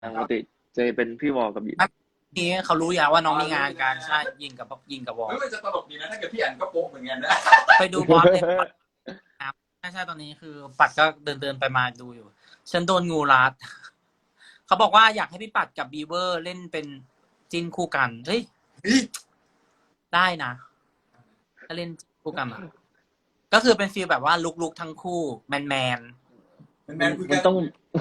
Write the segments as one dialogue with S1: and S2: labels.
S1: ปกติจะเป็นพี่วอลกับหยิน
S2: นี้เขารู้อย่างว่าน้องมีงานการใช่ยิงกับวอล
S3: ไม่ว่าจะตลกดีนะถ้าเกิดพี่อันก็โป๊ะเหมือนกันนะ
S2: ไปดูบอสเลยครับใช่ตอนนี้คือปัดก็เดินไปมาดูอยู่ฉันโดนงูรัดเขาบอกว่าอยากให้พี่ปัดกับบีเวอร์เล่นเป็นจิ้นคู่กันเฮ้ยได้นะถ้าเล่นคู่กันก็คือเป็นฟีลแบบว่าลุกทั้งคู่แมน
S1: มันต้อง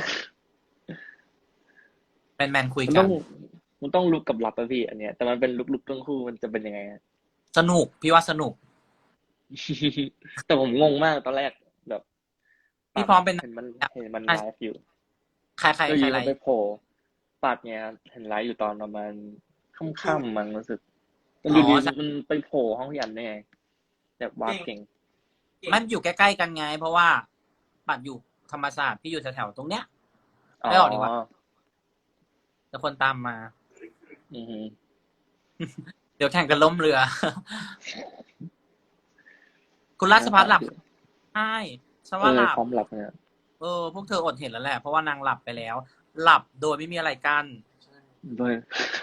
S2: คุย
S1: มัน
S2: กั
S1: ต้อน งมันต้องลุกกับลับอะพี่อันเนี้ยแต่มันเป็นลุกทั้งคู่มันจะเป็นยังไง
S2: สนุกพี่ว่าสนุก
S1: แต่ผมงงมากตอนแรกแบบ
S2: พี่พร้อมเป็น
S1: เห็นมันไลฟ์อยู่
S2: ใคร
S1: ก็ยี
S2: อะไร
S1: มันไปโผล่ปัดเนี่ยเห็นไลฟ์อยู่ตอนประมาณค่ำๆมันรู้สึกมันอยู่ดีมันไปโผล่ห้องยันได้ไงแบบวาดเก่ง
S2: มันอยู่ใกล้ๆกันไง เพราะว่าปัดอยู่ธรรมศาสตร์พี่อยู่แถวๆตรงเนี้ย
S1: อ๋อ
S2: ไม่ออกดีกว่าแต่คนตามมา
S1: อือฮึ
S2: เดี๋ยวแข่งกันล้มเรือ คุณราชพัฒน์หลับใช่ฉันว่าหลับ
S1: พร้อมหลับเนี่ย
S2: พวกเธออดเห็นแล้วแหละเพราะว่านางหลับไปแล้ว หลับโดยไม่มีอะไรกั้น
S1: ด้วย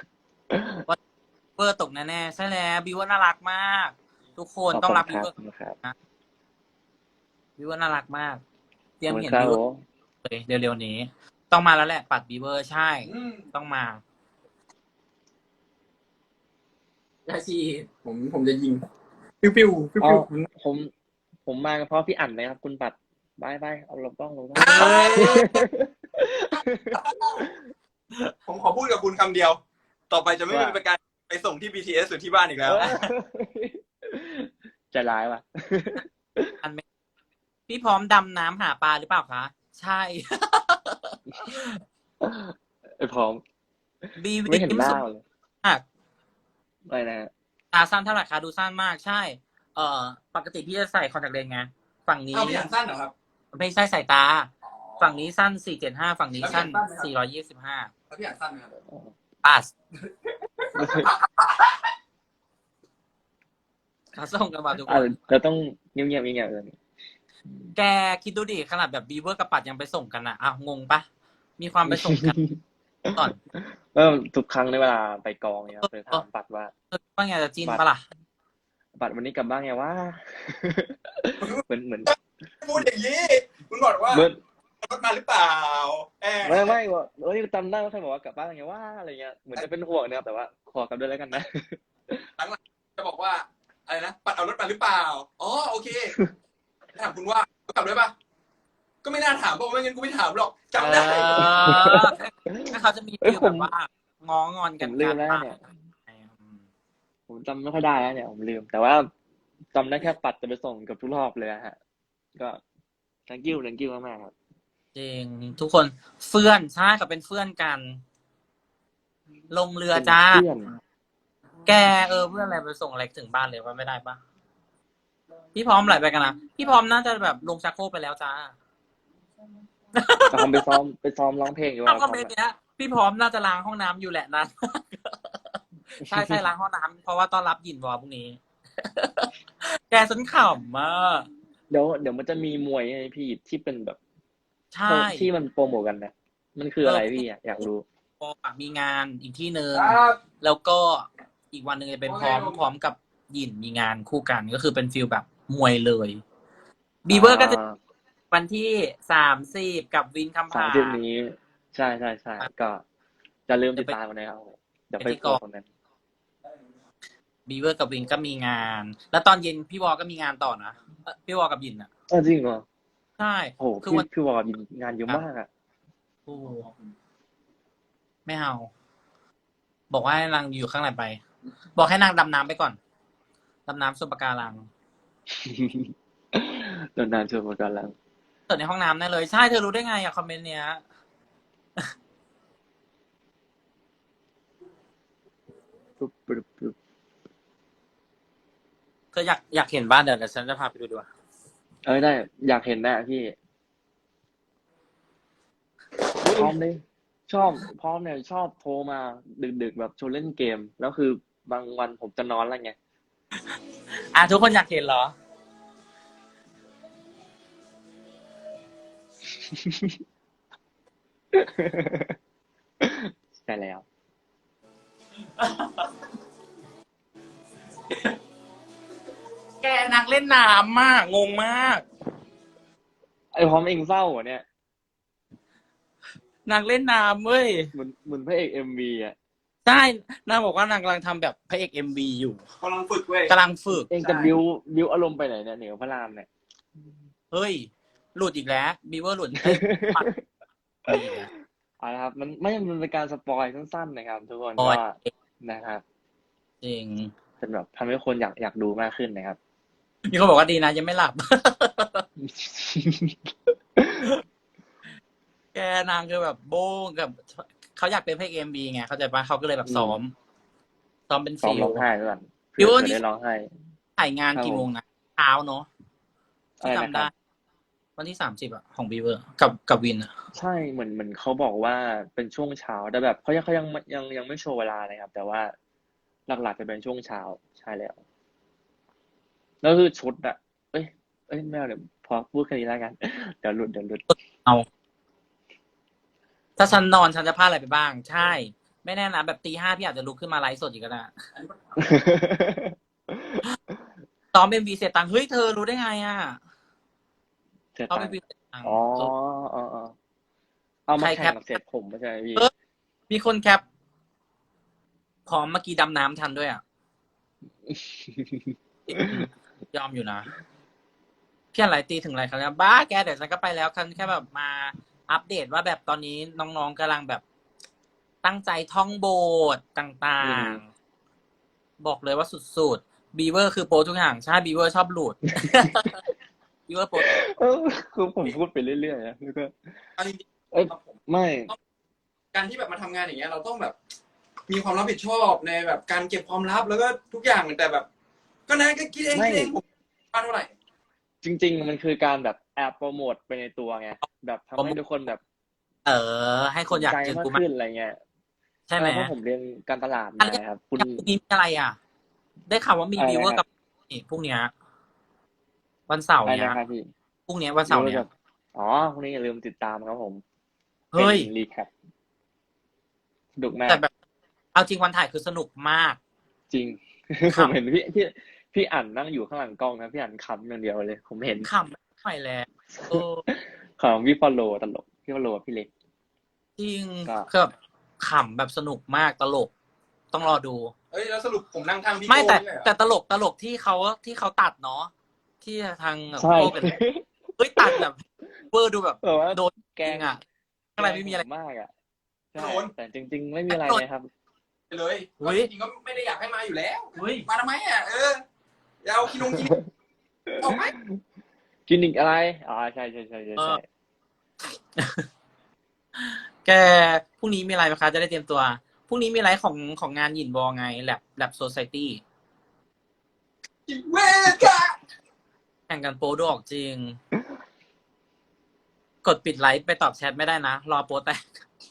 S2: เวอร์ตกแน่ๆใช่แล้วบิวว่าน่ารักมาก ทุกคนต้องรักบิวเวอร์นะบิวว่าน่ารักมากเตรียมเห็นบิวเลยเร็วๆนี้ ต้องมาแล้วแหละปัดบิวเวอร์ใช่ต้องมา
S3: ได้ชีผมจะยิงปิ้วปิ้ว
S1: ผมมาเพราะพี่อั๋นเลยครับคุณปัดบายเอาลงต้อง
S3: ผมขอพูดกับคุณคำเดียว ต่อไปจะไม่เป็นการไปส่งที่ BTS หรือที่บ้านอีกแล้ว
S1: ใจร้ายว่ะ
S2: พี่พร้อมดำน้ำหาปลาหรือเปล่าคะใช่
S1: พร้อมไม่เห็นหน้าเลยอะไรนะ
S2: ตาสั้นเท่าไหร่คะดูสั้นมากใช่ปกติพี่จะใส่คอนแทคเลนส์ไงฝั่งนี้
S3: พี่อันสั้นเหรอครับ
S2: ไม่ใช่สายตาฝั่งนี้สั้น475ฝั่งนี้สั้น425
S3: แล้วพี่อันสั้นไหมครับ
S2: ปัสเขาส่งกันมาทุกคน
S1: เราต้องเงียบเลย
S2: แกคิดดูดิขนาดแบบบีเวอร์กับปัดยังไปส่งกันอ่ะงงปะมีความไปส่งกันก่อน
S1: ทุกครั้งในเวลาไปกองเนี่ยไปถามปัดว่า
S2: ไงจะจีนปะล่ะ
S1: ปัดวันนี้กลับบ้านไงว่าเหมือน
S3: พูดอย่างนี้คุณบอกว่ารถมาหรือเปล่า
S1: ไม่ว่าจำได้ว่าใครบอกว่ากลับบ้านไงว่าอะไรเงี้ยเหมือนจะเป็นห่วงนะครับแต่ว่าขอกลับด้วยแล้วกันนะ
S3: หลังจะบอกว่าอะไรนะปัดเอารถมาหรือเปล่าอ๋อโอเคถามคุณว่ากลับด้วยปะก็ไม่น่าถามเพราะไม่งั้นกูไม่ถามหรอกจำได้
S2: ถ้าเขาจะมีฟีลแบบว่าง้องอนกัน
S1: ลืมแล้วเนี่ยผมจำไม่ค่อยได้แล้วเนี่ยผมลืมแต่ว่าจำได้แค่ปัดจะไปส่งกับทุกรอบเลยฮะก็ thank you มากๆครับ
S2: จริงทุกคนเฟื่อนใช่กับเป็นเฟื่อนกันลงเรือจ้าแกเพื่อนอะไรไปส่งอะไรถึงบ้านเลยว่าไม่ได้ปะพี่พร้อมไหลไปกันนะพี่พร้อมน่าจะแบบลงชักโครกไปแล้วจ้า
S1: ผมไปซ้อมร้องเพลงอยู่
S2: ว่าคอมเมนต์เนี้ยพี่พร้อมน่าจะล้างห้องน้ำอยู่แหละนั้นใช่ล้างห้องน้ำเพราะว่าต้อนรับยินวอพรุ่งนี้แกสนขำมาก
S1: เดี๋ยวมันจะมีมวยไงพี่ที่เป็นแบบ
S2: ใช่
S1: ที่มันโปรโมทกันนะมันคืออะไรพี่อยากรู้
S2: มีงานอีกที่นึงแล้วก็อีกวันหนึ่งจะเป็นพร้อมกับยินมีงานคู่กันก็คือเป็นฟิลแบบมวยเลยบีเวอร์ก็จะวันที่30กับวินคำผา
S1: 30นี้ใช่ก็จะลืมติดตามกันนะครับเดี๋ยวไปโปรคนนั้น
S2: บีเวอร์กับวินก็มีงานแล้วตอนเย็นพี่วอก็มีงานต่อนะพี่วอกับยินอ่ะ
S1: จริงเหรอ
S2: ใช่
S1: โอ้คือพี่วอยินงานเยอะมากอ่ะ
S2: โอ้ไม่เอาบอกว่าให้นางอยู่ข้างในไปบอกให้นางดำน้ำไปก่อนดำน้ำส่วนปะการัง
S1: ดำน้ำส่วนปะการัง
S2: เปิดในห้องน้ำได้เลยใช่เธอรู้ได้ไงอะคอมเมนต์เนี้ยเธออยากเห็นบ้านเดี๋ยวฉันจะพาไปดูดีกว่า
S1: ได้อยากเห็นแน่พี่พร้อมเลยพร้อมเนี่ยชอบโทรมาดึกแบบชวนเล่นเกมแล้วคือบางวันผมจะนอนแล้วไง
S2: ทุกคนอยากเห็นเหรอ
S1: ใช่แล้ว
S2: แกนางเล่นน้ำมากงงมาก
S1: ไอ้พร้อมเองเศร้าเหรอเนี่ย
S2: นางเล่นน้ำเว้ย
S1: เหมือนพระเอกMVอ่ะ
S2: ใช่นางบอกว่านางกำลังทำแบบพระเอกMVอยู่
S3: กำลังฝึกเว้ย
S2: กำลังฝึก
S1: เองจะบิวอารมณ์ไปไหนเนี่ยเหนือพระรามเนี่ย
S2: เฮ้ย หลุดอีกแล้วบีเวอร์หลุดเอ้ยปัดอีกแล้ว
S1: เอาละครับ มันเป็นการสปอยสั้นๆนะครับ ทุกคน
S2: ปล่
S1: ก็
S2: อย
S1: นะครับ
S2: จริง
S1: เป็นแบบทำให้คนอยากดูมากขึ้นนะครับ
S2: มีคนบอกว่าดีนะยังไม่หลับ แกนางคือแบบโบ้งกับเขาอยากเป็นพระเอกMVไงเข้าใจปะเขาก็เลยแบบซ้อมเป็น
S1: ซ้อม
S2: ฟิล
S1: ร้องไห้ด้วยกัน
S2: บิว
S1: เผื่อ
S2: นี่
S1: ได้ร้องไห้
S2: ถ่ายงานกี่โมงนะเช้าเนาะ
S1: อะไร
S2: ที่
S1: นะ
S2: จำ
S1: ค
S2: ได้
S1: รับ
S2: วันที่30อ่ะของบีเวอร์กับวินอ่ะ
S1: ใช่เหมือนเขาบอกว่าเป็นช่วงเช้าแต่แบบเขายังไม่โชว์เวลานะครับ แต่ว่าหลักๆจะเป็นช่วงเช้าใช่แล้ว แล้วคือชุดอะเอ้ยไม่เอาเดี๋ยวพอพูดแค่นี้แล้วกัน เดี๋ยวหลุด
S2: เอา ถ้าฉันนอนฉันจะพลาดอะไรไปบ้าง ใช่ ไม่แน่นะแบบตี 5พี่อาจจะลุกขึ้นมาไลฟ์สดอีกก็ได้ซ้อมMVเสร็จตังค์เฮ้ยเธอรู้ได้ไงอ่ะ
S1: เสร็จ
S2: ซ้อม
S1: ตัง
S2: MV
S1: ค์
S2: เสร็จตังค์
S1: อ๋อ
S2: เออ
S1: เอามา
S2: ใคร
S1: แข่ง
S2: แคป
S1: กับเสร็จผมไม่ใช่ไหมพี่
S2: เออ มีคนแคปพร้อมเมื่อกี้ดำน้ำทันด้วยอ่ะ ยอมอยู่นะพี่อะไรตีถึงอะไรครับเนี่ยบ้าแกเดี๋ยวฉันก็ไปแล้วฉันแค่แบบมาอัปเดตว่าแบบตอนนี้น้องๆกำลังแบบตั้งใจท่องบทต่างๆ บอกเลยว่าสุดๆบีเวอร์คือโปรทุกอย่างใช่บีเวอร์ชอบหลุด บีเวอร์โปร
S1: คือผมพูดไปเรื่อยๆนะแล้วก็
S3: เอาจริง
S1: เอ้ย
S3: ๆครับผม
S1: ไม่
S3: การที่แบบมาทำงานอย่างเงี้ยเราต้องแบบ มีความรับผิดชอบในแบบการเก็บความลับแล้วก็ทุกอย่างแต่แบบ ก็นะก็คิดเอง
S1: ไม่
S3: ผมว่าเท่าไหร่
S1: จริงๆ มันคือการแบบแอบโปรโมทไปในตัวไงแบบทำให้ทุกคนแบบ
S2: ให้คนอยาก
S1: ใจ
S2: เจอ
S1: มาก
S2: กูมาก
S1: ขึ้นอะไรเงี้ย
S2: ใช่ไหม
S1: เพราะผมเรียนการตลาด
S2: อั
S1: มาน ครับ คุณ
S2: พรุ่งนี้มีอะไรอ่ะ ได้ข่าวว่ามี
S1: อะไรนะ
S2: บีเวอร์กับนี่พรุ่งเนี้ยวันเสาร์
S1: อะไร
S2: เนี้ย
S1: นะครับพี่
S2: พรุ่งเนี้ยวันเสาร์เนี้ย
S1: อ๋อพรุ่งนี้อย่าลืมติดตามครับผม
S2: เฮ้ย
S1: เป็นรีแคปสนุกมาก
S2: แต่แบบเอาจริงวันถ่ายคือสนุกมาก
S1: จริง
S2: ครั
S1: ผ
S2: บ
S1: มเห็นพี่อ่านนั่งอยู่ข้างหลังกล้องนะพี่อ่านขำอย่างเดียวเลย ผมเห็น
S2: ขำไม่ไหวแล้วเออ
S1: ของพี่ฟอลโลตลกพี่ฟอลโลกับพี่เล็ก
S2: จริง
S1: ก็
S2: คือแบบขำแบบสนุกมากตลก ต้องรอดู
S3: เอ้ยแล้วสรุปผมนั่งทางพี่
S2: ไม่
S3: โก้
S2: แต่
S3: นี่เลยเหรอ
S2: แต่ตลกที่เขาตัดเนาะที่ทาง
S1: ใช่
S2: โก้กับเฮ้ยตัดแบบเวอร์ดูแบบ
S1: แบบว่า
S2: โดน
S1: แก
S2: จริงอ่ะอะไรไม่มีอะไร
S1: แกล้งผมมากอ่ะใช่แต่จริง ๆ ไม่มีอะไรนะครับ
S3: ไปเลย
S2: เฮ้ย
S3: จริงๆก็ไม่ได้อยากให้มาอยู่แล้ว
S2: เฮ้ย
S3: มาทำไมอ่ะอย่าเอากินออกไหม
S1: กินอีกอะไรอ๋อใช่
S2: แกพรุ่งนี้มีอะไรไหมคะจะได้เตรียมตัวพรุ่งนี้มีอะไรของงานหยินบอไงแลบโซไซตี้
S3: เวกะ
S2: แข่งกันโปรดูออกจริง กดปิดไลฟ์ไปตอบแชทไม่ได้นะ รอโปรแตก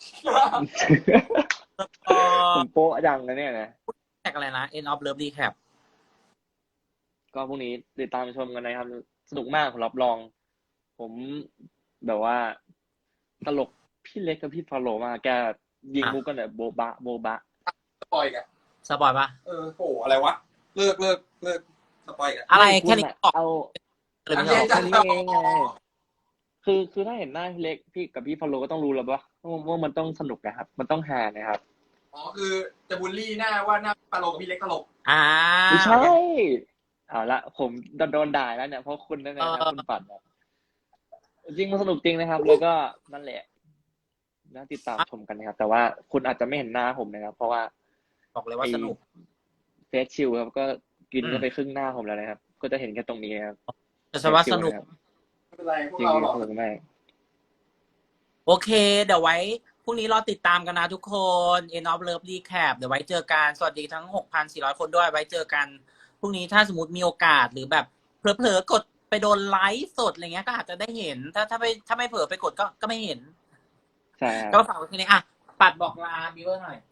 S2: เออ
S1: ผมโป๊ะดังนะเนี่ยนะ
S2: แท็กอะไรนะ End of Love Recap
S1: ก็พรุ่งนี้ติดตามชมกันนะครับ สนุกมากผมรับรอง ผมแบบว่า ตลกพี่เล็กกับพี่ฟอลโลมากแกยิงมุกกันแบบโบบะ
S3: สปอยล์กัน
S2: สปอยปะ
S3: โหอะไรวะเลิกสปอยล์กัน
S2: อะไร
S1: ไม่
S2: แค่นี้
S1: ณ
S2: ออก
S1: เอา
S2: เลยไม่
S3: อันนี้
S2: ออก
S3: จะ
S1: แค่นี้เองไง คือถ้าเห็นหน้าพี่เล็กพี่กับพี่ฟอลโลก็ต้องรู้แล้วว่ามันต้องสนุกนะครับ มันต้องฮานะครับ
S3: อ๋อคือจะบูลลี่หน้าว่าหน้าตลกกับพี่เล็กตลก
S1: ไม่ใช่เอาละผมโดนด่าแล้วเนี่ยเพราะคุณนั่นแหละครับคุณปัดนะจริงมันสนุกจริงนะครับ แล้วก็นั่นแหละน่าติดตามชมกันนะครับ แต่ว่าคุณอาจจะไม่เห็นหน้าผมนะครับ เพราะว่า
S2: บอกเลยว่าสนุก
S1: เฟสชิลครับก็กินก็ไปครึ่งหน้าผมแล้วนะครับ ก็จะเห็นแค่ตรงนี้ครับ
S2: แต่ฉันว่าสนุก
S3: ไม่เป็นไรพวก
S1: จริง
S3: เราหรอก
S1: สนุกมาก
S2: โอเค เดี๋ยวไว้พรุ่งนี้รอติดตามกันนะทุกคน End of Love Recap เดี๋ยวไว้เจอกัน สวัสดีทั้ง 6,400 คนด้วย ไว้เจอกันพรุ่งนี้ถ้าสมมติมีโอกาสหรือแบบเผลอๆกดไปโดนไลฟ์สดอะไรเงี้ยก็อาจจะได้เห็น ถ้าไม่เผลอไปกดก็ไม่เห็น
S1: ใช่ครับ
S2: ก็ฝากไว้ทีนี้อ่ะ ปัดบอกลาบิวเวอร์หน่อย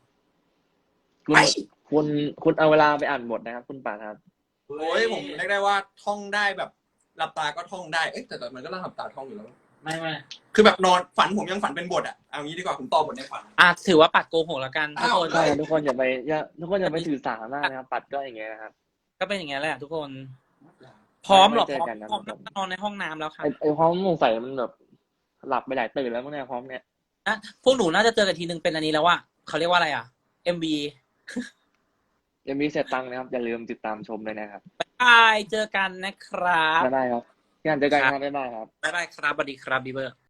S1: คุณเอาเวลาไปอ่านบทนะครับ คุณป่าครับ
S3: โอ้ยผมเรียกได้ว่าท่องได้แบบหลับตาก็ท่องได้ แต่มันก็ต้องหลับตาท่องอยู่แล้ว
S2: ไม่
S3: คือแบบนอนฝันผมยังฝันเป็นบทอ่ะเอางี้ดีกว่าผมต่อบทในฝัน
S2: ถือว่าปัดโกหกแล้วกันทุกคน
S1: ใช่ทุกคนอย่าไปถือสาหมากนะครับ ปัดก็อย่างเงี้ยนะครับ
S2: ก็เป็นอย่างเงี้ยแหละทุกคน พร้อมเหรอ
S1: ไว้เจอกันนะ
S2: พร้อมนอนในห้องน้ำแล้วค่ะ
S1: ไอ้พร้อมสงสัยมันแบบหลับไปหลายตื่นแล้วมั้งเนี่ยพร้อมเนี่ย
S2: พวกหนูน่าจะเจอกันทีนึงเป็นอันนี้แล้วว่าเขาเรียกว่าอะไรอ่ะ MV
S1: ยังมีเสร็จตังค์นะครับอย่าลืมติดตามชมเลยนะครับ
S2: บายเจอกันนะครับ
S1: บ๊ายบายครับงานเจอกันครับบ๊ายบายครับ
S2: บ๊ายบายครับสวัสดีครับบีเบอร์